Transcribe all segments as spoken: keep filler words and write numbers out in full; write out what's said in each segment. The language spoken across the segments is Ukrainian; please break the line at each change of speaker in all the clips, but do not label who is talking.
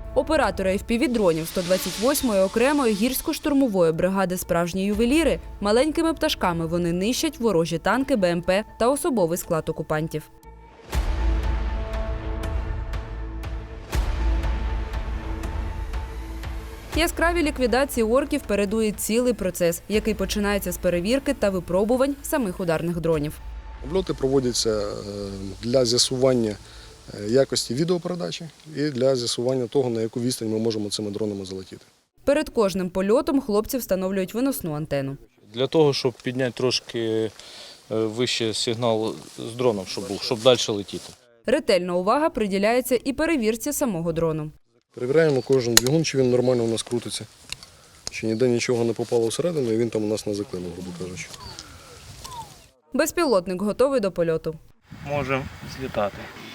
Оператори еф пі ві-дронів сто двадцять восьмої окремої гірсько-штурмової бригади «Справжні ювеліри». Маленькими пташками вони нищать ворожі танки, бе ем пе та особовий склад окупантів. Яскраві ліквідації орків передує цілий процес, який починається з перевірки та випробувань самих ударних дронів.
Обльоти проводяться для з'ясування якості відеопередачі і для з'ясування того, на яку відстань ми можемо цими дронами залетіти.
Перед кожним польотом хлопці встановлюють виносну антенну.
Для того, щоб підняти трошки вище сигнал з дроном, щоб був, щоб далі летіти.
Ретельна увага приділяється і перевірці самого дрону.
Перевіряємо кожен двигун, чи він нормально у нас крутиться, чи ніде нічого не попало всередину і він там у нас не заклинув, грубо кажучи.
Безпілотник готовий до польоту.
Можемо злітати.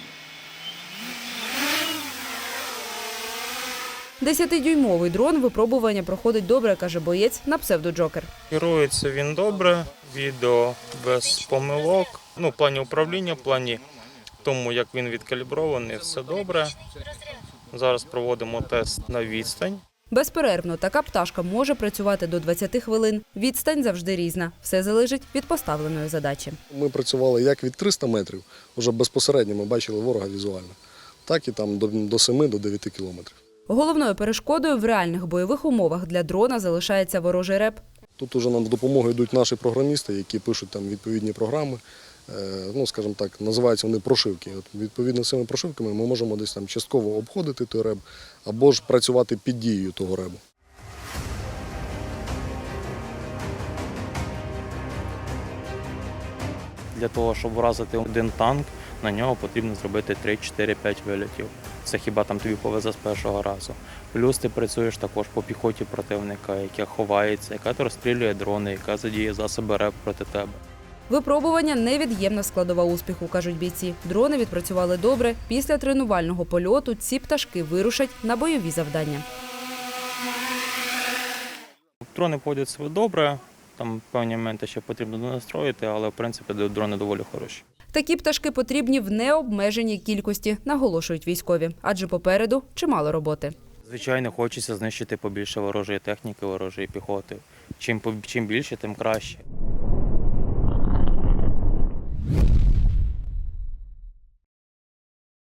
Десятидюймовий дрон випробування проходить добре, каже боєць на псевдо-Джокер.
Керується він добре, відео без помилок. Ну, в плані управління, в плані тому, як він відкалібрований, все добре. Зараз проводимо тест на відстань.
Безперервно така пташка може працювати до двадцяти хвилин. Відстань завжди різна. Все залежить від поставленої задачі.
Ми працювали як від трьохсот метрів, вже безпосередньо ми бачили ворога візуально, так і там до семи, до дев'яти кілометрів.
Головною перешкодою в реальних бойових умовах для дрона залишається ворожий реп.
Тут уже нам в допомогу йдуть наші програмісти, які пишуть там відповідні програми. Ну, скажімо так, називаються вони прошивки. От, відповідно, з цими прошивками ми можемо десь там частково обходити той реб, або ж працювати під дією того ребу.
Для того, щоб вразити один танк, на нього потрібно зробити три, чотири, п'ять вилітів. Це хіба там тобі повезе з першого разу. Плюс ти працюєш також по піхоті противника, яка ховається, яка розстрілює дрони, яка задіє засоби РЕБ проти тебе.
Випробування – невід'ємна складова успіху, кажуть бійці. Дрони відпрацювали добре. Після тренувального польоту ці пташки вирушать на бойові завдання.
Дрони поводять себе добре, там певні моменти ще потрібно донастроїти, але в принципі дрони доволі хороші.
Такі пташки потрібні в необмеженій кількості, наголошують військові, адже попереду чимало роботи.
Звичайно, хочеться знищити побільше ворожої техніки, ворожої піхоти. Чим, чим більше, тим краще.